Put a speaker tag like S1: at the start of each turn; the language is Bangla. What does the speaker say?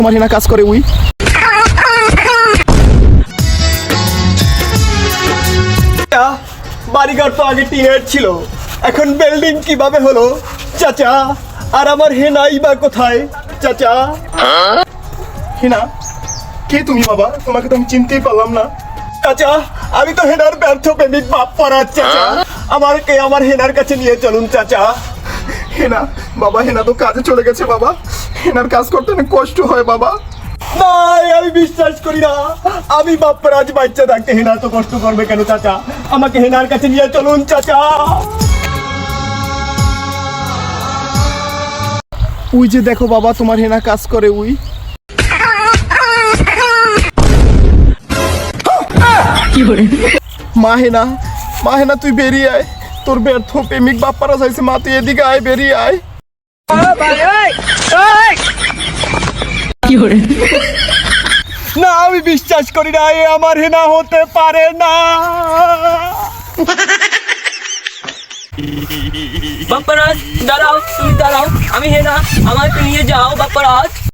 S1: তোমার হেনা কাজ করে উই। বাড়িঘর তো আগে টিনের ছিল, এখন বিল্ডিং কিভাবে হলো চাচা? আর আমার হেনাই বা কোথায় চাচা? হেনা, কে তুমি বাবা? তোমাকে তো আমি চিনতেই পারলাম না চাচা। আমি তো হেনার ব্যর্থ প্রেমিক বাপ পড়ার চাচা। আমার হেনার কাছে নিয়ে চলুন চাচা। হেনা বাবা, হেনা তো কাজে চলে গেছে বাবা। হেনার কাজ করতে অনেক কষ্ট হয় বাবা। নাই, আমি বিশ্বাস করি না। আমি বাপ্পার আজ বাচ্চা থাকতে হেনা তো কষ্ট করবে কেন চাচা? আমাকে হেনার কাছে নিয়ে চলুন চাচা। উই যে দেখো বাবা, তোমার হেনা কাজ করে উই। মা হেনা, মা হেনা তুই বেরিয়ে আয়। তোর ব্যর্থ প্রেমিক বাপ্পারা চাইছে। মা তুই এদিকে আয়, বেরিয়ে আয়। না, আমি বিশ্বাস করি না, এ আমার হেনা হতে পারে না।
S2: বাপ্পারাজ দাঁড়াও, তুমি দাঁড়াও। আমি হেনা, আমাকে নিয়ে যাও বাপ্পারাজ।